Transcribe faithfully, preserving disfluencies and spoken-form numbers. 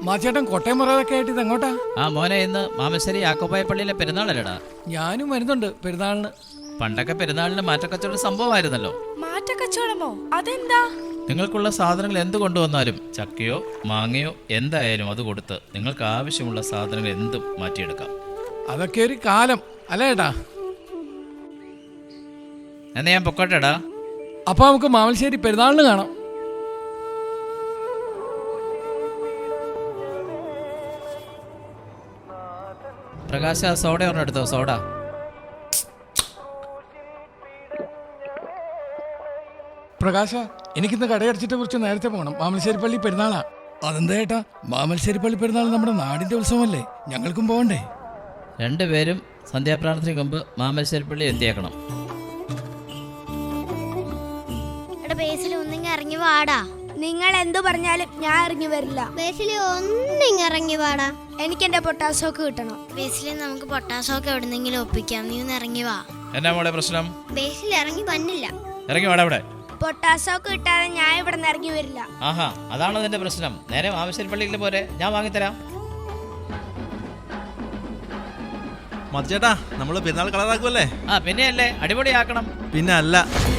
മാച്ചേട്ടൻ കോട്ടയം മറവൊക്കെ ആയിട്ട് ഇത് എങ്ങോട്ടാ? ആ മോനെ, ഇന്ന് മാമശ്ശേരി യാക്കോബായ പള്ളിയിലെ പെരുന്നാളല്ലേടാ? ഞാനും വരുന്നുണ്ട് പെരുന്നാളിന്. പണ്ടൊക്കെ പെരുന്നാളിന് മാറ്റക്കച്ചവടം സംഭവമായിരുന്നല്ലോ. മാറ്റക്കച്ചവടമോ? അതെന്താ? നിങ്ങൾക്കുള്ള സാധനങ്ങൾ എന്ത് കൊണ്ടുവന്നാലും ചക്കയോ മാങ്ങയോ എന്തായാലും അത് കൊടുത്ത് നിങ്ങൾക്ക് ആവശ്യമുള്ള സാധനങ്ങൾ എന്തും മാറ്റിയെടുക്കാം. അതൊക്കെ ഒരു കാലം അല്ലേ ഏട്ടാ? എന്നാ ഞാൻ പൊക്കോട്ടെടാ. അപ്പൊ നമുക്ക് മാമശ്ശേരി പെരുന്നാളിന് കാണാം. പ്രകാശ, സോഡ ഒരെണ്ണം എടുത്തോ. സോഡ. പ്രകാശ, എനിക്കിന്ന് കടയടച്ചിട്ട് കുറിച്ച് നേരത്തെ പോകണം. മാമശ്ശേരി പള്ളി പെരുന്നാളാ. അതെന്താ ഏട്ടാ? മാമശ്ശേരി പള്ളി പെരുന്നാൾ നമ്മുടെ നാടിന്റെ ഉത്സവമല്ലേ, ഞങ്ങൾക്കും പോകണ്ടേ? രണ്ടുപേരും സന്ധ്യാപ്രാർത്ഥനയ്ക്ക് മുമ്പ് മാമശ്ശേരി പള്ളി എത്തിയേക്കണം. ഇറങ്ങി വാടാ. നിങ്ങൾ എന്തു പറഞ്ഞാലും ഞാൻ ഇറങ്ങി വരില്ല. ബേസിലി ഒന്നിങ്ങ ഇറങ്ങി വാടാ. എനിക്ക് എന്റെ പൊട്ടാസോക്ക് കിട്ടണം. ബേസിലി നമുക്ക് പൊട്ടാസോക്ക് എവിടെന്നെങ്കിലും ഒപ്പിക്കാം. നീ ഒന്ന് ഇറങ്ങി വാ. എന്നാ മോളെ പ്രശ്നം? ബേസിലി ഇറങ്ങി വന്നില്ല. ഇറങ്ങി വാടാ ഇവിടെ. പൊട്ടാസോക്ക് കിട്ടാതെ ഞാൻ ഇവിടെ നിന്ന് ഇറങ്ങി വരില്ല. ആഹാ, അതാണോ നിന്റെ പ്രശ്നം? നേരെ മാമശ്ശേരി പള്ളിയിൽ പോരെ, ഞാൻ വാങ്ങിത്തരാം. മതിച്ചേട്ടാ, നമ്മള് പെരുന്നാൾ കളറാക്കുമല്ലേ? ആ പിന്നെ അല്ലേ, അടിപൊളിയാക്കണം. പിന്നെ അല്ല.